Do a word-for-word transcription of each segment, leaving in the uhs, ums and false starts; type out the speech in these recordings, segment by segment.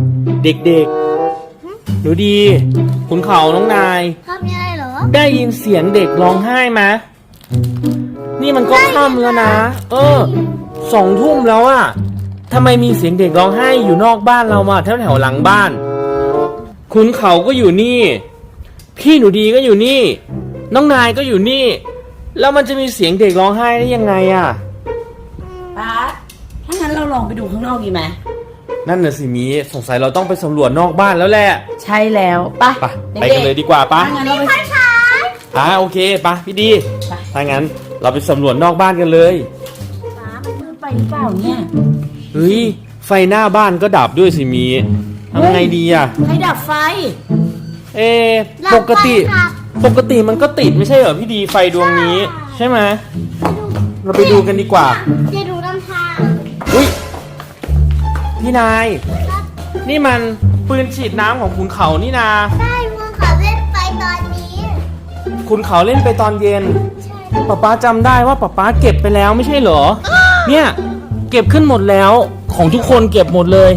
เด็กๆหนูดีขุนเขาน้องนายครับมีอะไรเหรอได้ยินเสียงเด็กร้องไห้ไหมนี่มันก็ค่ำแล้วนะเออสองทุ่มแล้วอะทำไมมีเสียงเด็กร้องไห้อยู่นอกบ้านเรามาแถวแถวหลังบ้านขุนเขาก็อยู่นี่พี่หนูดีก็อยู่นี่น้องนายก็อยู่นี่แล้วมันจะมีเสียงเด็กร้องไห้ได้ยังไงอะป๊าถ้างั้นเราลองไปดูข้างนอกดีไหมนั่นน่ะสิมีสงสัยเราต้องไปสำรวจนอกบ้านแล้วแหละใช่แล้วปะไปกันเลยดีกว่าปะถ้างั้นเราไปอ่าโอเคปะพี่ดีถ้างั้นเราไปสำรวจนอกบ้านกันเลยป๊ามันมืดไปหรือเปล่าเนี่ยเฮ้ยไฟหน้าบ้านก็ดับด้วยสิมีทำไงดีอะใครดับไฟเอปกติปกติมันก็ติดไม่ใช่เหรอพี่ดีไฟดวงนี้ใช่ไหมเราไปดูกันดีกว่าจะดูน้ำทางอุ้ยพี่นายนี่มันปืนฉีดน้ำของขุนเขานี่นาใช่คุณเขาเล่นไปตอนนี้ขุนเขาเล่นไปตอนเย็นป๊าป๊าจำได้ว่าป๊าป๊าเก็บไปแล้วไม่ใช่เหรอเนี่ยเก็บขึ้นหมดแล้วของทุกคนเก็บหมดเลย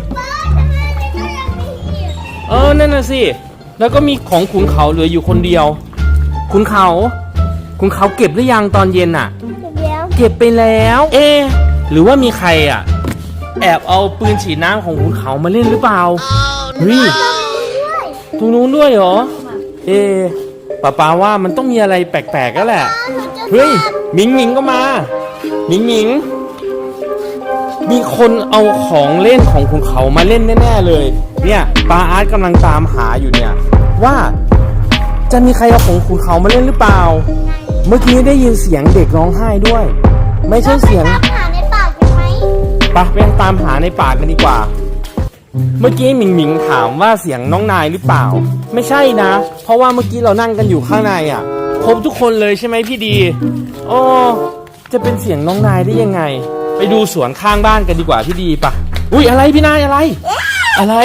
เออนั่นน่ะสิแล้วก็มีของขุนเขาเหลืออยู่คนเดียวขุนเขาขุนเขาเก็บหรือยังตอนเย็นอ่ะเก็บไปแล้วเอ๊หรือว่ามีใครอ่ะแอบเอาปืนฉีดน้ำของขุนเขามาเล่นหรือเปล่าเฮ้ยตรงนู้นด้วยเหรอเอ๊ป้าป้าว่ามันต้องมีอะไรแปลกๆก็แหละเฮ้ยหมิงหมิงก็มาหมิงหมิงมีคนเอาของเล่นของขุนเขามาเล่นแน่ๆเลยเนี่ยป้าอาร์ตกำลังตามหาอยู่เนี่ยว่าจะมีใครเอาของขุนเขามาเล่นหรือเปล่าเมื่อกี้ได้ยินเสียงเด็กร้องไห้ด้วยไม่ใช่เสียงหาในป่ากันไหมปะไปตามหาในป่ากันดีกว่าเมื่อกี้หมิงหมิงถามว่าเสียงน้องนายหรือเปล่าไม่ใช่นะเพราะว่าเมื่อกี้เรานั่งกันอยู่ข้างในอ่ะครบทุกคนเลยใช่ไหมพี่ดีโอ้จะเป็นเสียงน้องนายได้ยังไงไปดูสวนข้างบ้านกันดีกว่าพี่ดีปะอุ้ยอะไรพี่นายอะไรอะไร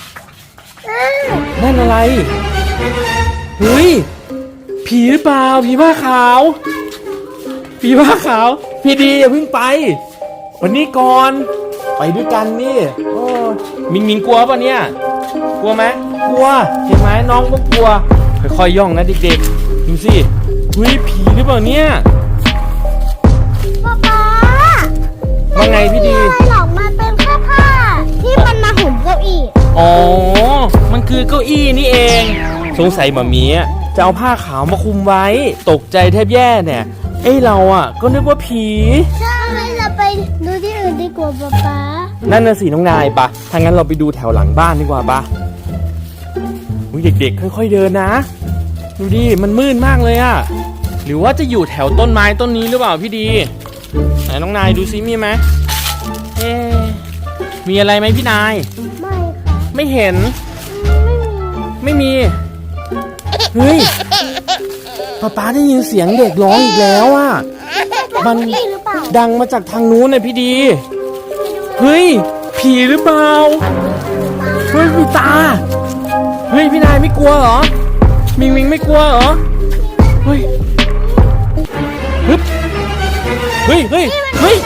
นั่นอะไรเฮ้ยผีหรือเปล่าผีผ้าขาวผีผ้าขาวพี่ดีอย่าเพิ่งไปวันนี้ก่อนไปด้วยกันนี่โอ้มิงมิงกลัวป่ะเนี่ยกลัวไหมกลัวเห็นไหมน้องก็กลัวค่อยๆย่องนะเด็กๆดูสิเฮ้ยผีหรือเปล่าเนี่ยป๊าป๊าว่าไงพี่ดีอะไรหรอกมันเป็นแค่ผ้าที่มันมาหุ่นเก้าอี้อ๋อมันคือเก้าอี้นี่เองสงสัยหมามีจะเอาผ้าขาวมาคุมไว้ตกใจแทบแย่เนี่ยเอ้เราอ่ะก็นึกว่าผีใช่เราไปดูที่อื่นดีกว่าป๊าป๊านั่นน่ะสิน้องนายปะถ้างั้นเราไปดูแถวหลังบ้านดีกว่าปะอุ้ยเด็กๆค่อยๆเดินนะดูดิมันมืดมากเลยอ่ะหรือว่าจะอยู่แถวต้นไม้ต้นนี้หรือเปล่าพี่ดีไหนน้องนายดูซิมีไหมเอ๊มีอะไรไหมพี่นายไม่ค่ะไม่เห็นไม่มีเฮ้ยป๊าป๊าได้ยินเสียงเด็กร้องอีกแล้วอ่ะมันดังมาจากทางนู้นเลยพี่ดีเฮ้ยผีหรือเปล่าเฮ้ยมีตาเฮ้ยพี่นายไม่กลัวเหรอมิงมิงไม่กลัวเหรอเฮ้ยฮึบเฮ้ยเฮ้ยเฮ้ย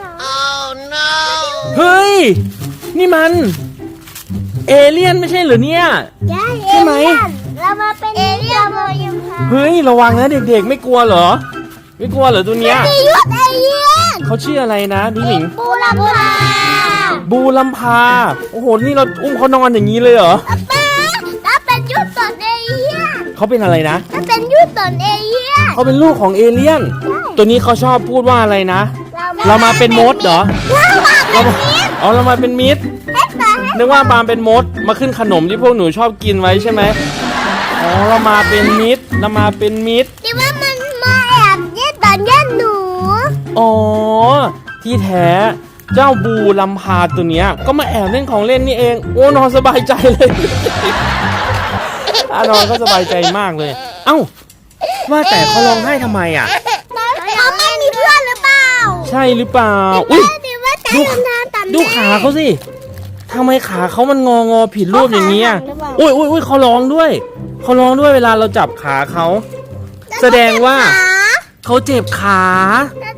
เฮ้ยนี่มันเอเลี่ยนไม่ใช่เหรอเนี่ยใช่ไหมเรามาเป็นเอเลี่ยนเลยยังค่ะเฮ้ยระวังนะเด็กๆไม่กลัวเหรอไม่กลัวเหรอตัวเนี้ยมียุทธเอเลี่ยนเขาชื่ออะไรนะพี่หมิงบูลัมพาบูลัมพาโอ้โหนี่เราอุ้มเขานอนอย่างนี้เลยเหรอป้าถ้าเป็นยุทธตนเอเลี่ยนเขาเป็นอะไรนะถ้าเป็นยุทธตนเอเลี่ยนเขาเป็นลูกของเอเลี่ยนตัวนี้เขาชอบพูดว่าอะไรนะเรามาเป็นมดเหรอเราอ๋อเรามาเป็นมิตรนึกว่าปาล์มเป็นมดมาขึ้นขนมที่พวกหนูชอบกินไว้ใช่ไหมอ๋อเรามาเป็นมิตรเรามาเป็นมิตรที่ว่ามันมาแอบเย็ดตอนเย็ดหนูอ๋อที่แท้เจ้าบูลัมพาตัวเนี้ยก็มาแอบเล่นของเล่นนี่เองโอ้นอนสบายใจเลยนอนก็สบายใจมากเลยเอ้าว่าแต่เขาร้องไห้ทำไมอ่ะเขาไม่มีเพื่อนหรือเปล่าใช่หรือเปล่าอุ้ยดูดูขาเขาสิทำไมขาเขามันงองอผิดรูปอย่างนี้อ่ะอุ้ยอุ้ยอุ้ยเขาร้องด้วยเขาร้องด้วยเวลาเราจับขาเขาแสดงว่าเขาเจ็บขา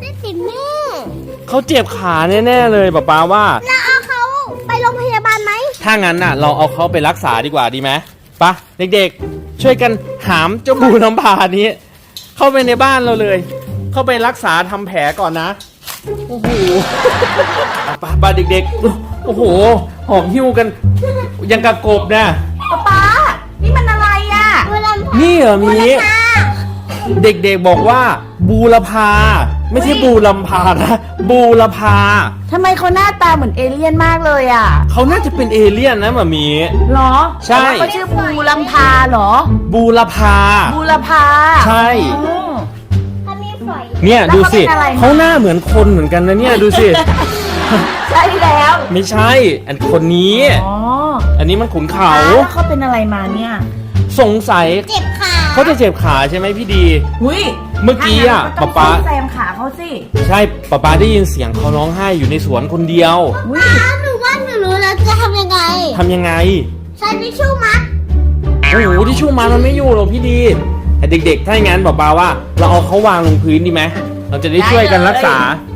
เขาเจ็บขาแน่ๆเลยป๊าป๊าว่าเราเอาเขาไปโรงพยาบาลไหมถ้างั้นน่ะ เราเอาเขาไปรักษาดีกว่าดีไหมปะเด็กๆ ช่วยกันหามเจ้าบูน้ำพานี้ เข้าไปในบ้านเราเลย เข้าไปรักษาทำแผลก่อนนะโอ้โหปะปะเด็กๆโอ้โหหอบหิ้วกันยังกระกบนะป๊าป๊านี่มันอะไรอ่ะบูรพานี่เหรอมีเด็กๆบอกว่าบูรพาไม่ใช่บูลำพานะบูรพาทำไมเขาหน้าตาเหมือนเอเลี่ยนมากเลยอ่ะเขาน่าจะเป็นเอเลี่ยนนะหมามีหรอใช่แต่ว่าเขาชื่อบูลำพาเหรอบูรพาบูรพาใช่อ๋อถ้ามีฝอยเนี่ยแล้วดูสิเขาเป็นอะไรนะเขาหน้าเหมือนคนเหมือนกันนะเนี่ยดูสิใช่แล้วไม่ใช่อันคนนี้อ๋ออันนี้มันขุนเขาแล้วเขาเป็นอะไรมาเนี่ยสงสัยเจ็บขาเขาจะเจ็บขาใช่ไหมพี่ดีหุยเมื่อกี้อะถ้างั้นก็ต้องป๊าป๊าซ่อมแซมขาเขาสิใช่ป๊าป๊าได้ยินเสียงเขาร้องไห้อยู่ในสวนคนเดียวหุยอ้าวหนูว่าหนูรู้แล้วจะทำยังไงทำยังไงใช้ทิชชู่มัดโอ้โหที่ชูมันมันไม่อยู่หรอกพี่ดีแต่เด็กๆ ถ้าอย่างนั้นบอกปาว่า เราเอาเขาวางลงพื้นดีไหมเราจะได้ช่วยกันรักษา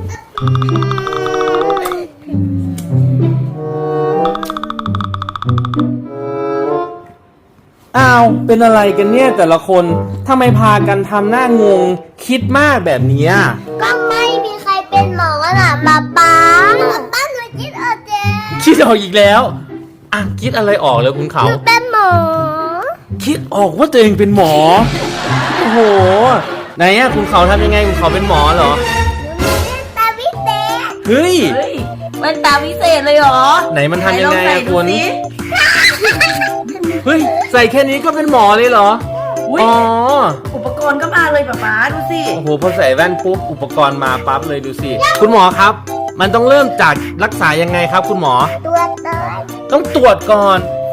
อ้าว เป็นอะไรกันเนี่ยแต่ละคนทำไมพากันทำหน้างง คิดมากแบบเนี้ยก็ไม่มีใครเป็นหมอน่ะป๊าป๊าป้าหนูคิดออกเจ๊คิดออกอีกแล้ว อ่ะคิดอะไรออกเลยคุณหเขานูเป็นหมอคิดออกว่าตัวเองเป็นหมอ โอ้โห ไหนอะคุณเขาทำยังไงคุณเขาเป็นหมอเหรอหนูมีตาวิเศษเฮ้ยเฮ้ยมันตาวิเศษเลยเหรอไหนมันทำยังไงหนลออะใส่ดูคุณสิเฮ้ย ใส่แค่นี้ก็เป็นหมอเลยเหรออุ๊ยอ๋ออุปกรณ์ก็มาเลยป๊าป๊าดูสิโอ้โห พอใส่แว่นปุ๊บ อุปกรณ์มาปั๊บเลยดูสิ คุณหมอครับ มันต้องเริ่มจากรักษายังไงครับ คุณหมอตัวเตยต้องตรวจก่อน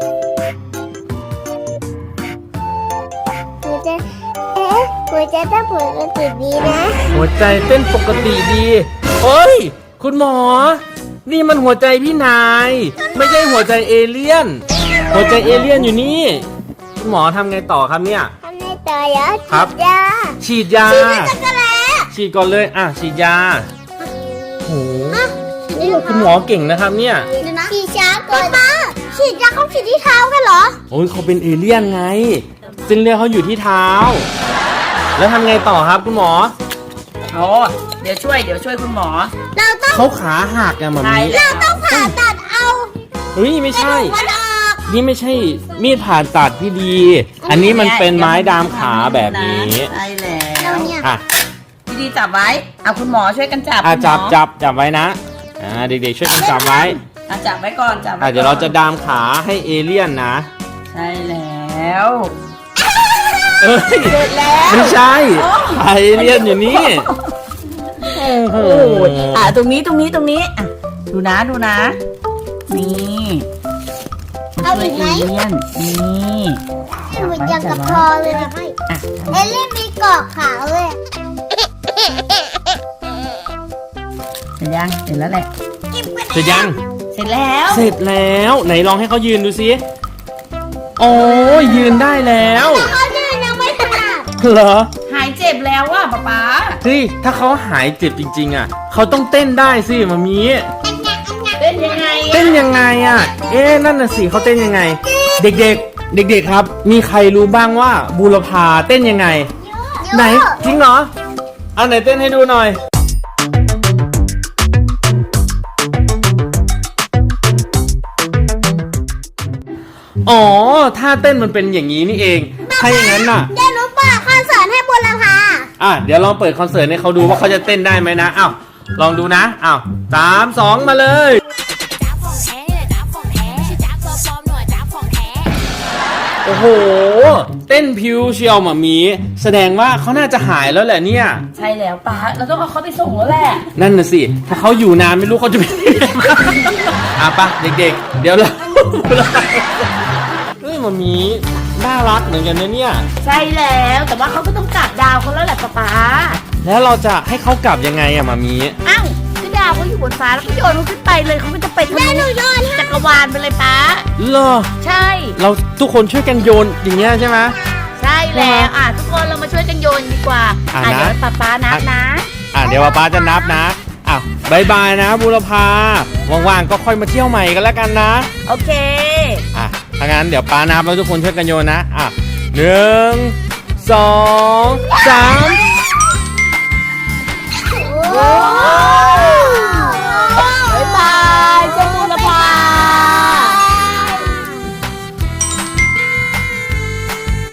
หัวใจเอ๊ะหัวใจต้องปกติดีนะหัวใจเต้นปกติดีเฮ้ย คุณหมอ นี่มันหัวใจพี่นาย ไม่ใช่หัวใจเอเลี่ยน หัวใจเอเลี่ยนอยู่นี่ คุณหมอทำไงต่อครับเนี่ยทำในต่อเยอะครับฉีดยาฉีดยาฉีดในจักรแล้ฉีดก่อนเลย อ่ะ ฉีดยา โอ้โหคุณหมอเก่งนะครับเนี่ยฉีดช้าก่อนป้าฉีดยาเขาฉีดที่เท้ากันเหรอโอ้ยเขาเป็นเอเลี่ยนไง เส้นเลือดเขาอยู่ที่เท้า แล้วทำไงต่อครับคุณหมอโอ้เดี๋ยวช่วยเดี๋ยวช่วยคุณหมอเราต้องเขาขาหักอะหมาใช่มีเราต้องผ่าตัดเอาเฮ้ยไม่ใช่มันออกนี่ไม่ใช่มีดผ่าตัดพี่ดี อันนี้มันเป็นไม้ดามขาแบบนี้ใช่แล้เราวเนี่ยอ่ะพี่ดีจับไว้เอาคุณหมอช่วยกันจับอ่ะคุณหมจัอบจับจับไว้นะ อ่าเด็กๆช่วยกันจับไว้อ่ะจับไว้ก่อนจับไว้อ่ะเดี๋ยวเราจะดามขาให้เอเลี่ยนนะใช่แล้วเอ้ยเสร็จแล้วไม่ใช่ไอเอเลี่ยนอยู่นี่ โอ้โหโอ้ยอ่ะตรงนี้ตรงนี้ตรงนี้อ่ะดูนะดูนะ นี่เอาอีกไหมช่วยเอเลี่ยนนี่เหมือนยังกับพอเลยนะอ่ะเอลลี่มีเกาะขาวเลยเสร็จยังเสร็จแล้วแหละเสร็จยังเสร็จแล้วเสร็จแล้วไหนลองให้เขายืนดูสิโอ้ยยืนได้แล้วเขาเดินยังไม่ถนัดเหรอหายเจ็บแล้วว่ะป๊าป๊าเฮ้ยถ้าเขาหายเจ็บจริงๆอ่ะเขาต้องเต้นได้สิมามีเต้นยังไงอะเต้นยังไงอ่ะ เอ๊ะนั่นน่ะสิเขาเต้นยังไง เด็กๆ เด็กๆครับ มีใครรู้บ้างว่าบูรพาเต้นยังไง ไหนจริงเหรอเอาไหนเต้นให้ดูหน่อย อ๋อท่าเต้นมันเป็นอย่างนี้นี่เอง ถ้าอย่างนั้นน่ะเดี๋ยวหนูเปิดคอนเสิร์ตให้บุรพาอ่ะเดี๋ยวลองเปิดคอนเสิร์ตให้เขาดูว่าเขาจะเต้นได้ไหมนะอ้าวลองดูนะอ้าวสามสองมาเลย โอ้โห เต้นพิวเชียวหมามีแสดงว่าเขาน่าจะหายแล้วแหละเนี่ยใช่แล้วป๊าเราต้องเอาเขาไปส่งแล้วแหละนั่นน่ะสิ ถ้าเขาอยู่นานไม่รู้เขาจะเป็นยังไงบ้างอ่ะปะเด็กๆ เดี๋ยวเรา เฮ้ยหมามีน่ารักเหมือนกันนะเนี่ยใช่แล้วแต่ว่าเขาก็ต้องกลับดาวเขาแล้วแหละป๊าป๊าแล้วเราจะให้เขากลับยังไงอะหมามีอ้าวก็ดาวเขาอยู่บนฟ้าแล้วก็โยนเขาขึ้นไปเลยเขาก็จะไปทะลุจักรวาลไปเลยป๊าเหรอใช่เราทุกคนช่วยกันโยนอย่างเงี้ยใช่ไหมใช่แล้วอ่ะทุกคนเรามาช่วยกันโยนดีกว่าอ่ะอ่ะนะเดี๋ยวป๊าป๊านับนะอ่ะเดี๋ยวป๊าจะนับนะอ่ะบายบายนะบุรพาว่างๆก็ค่อยมาเที่ยวใหม่กันแล้วกันนะโอเคอ่ะถ้างั้นเดี๋ยวป้านับแล้วทุกคนช่วยกันโยนนะอ่ะหนึ่งสองสามโอ้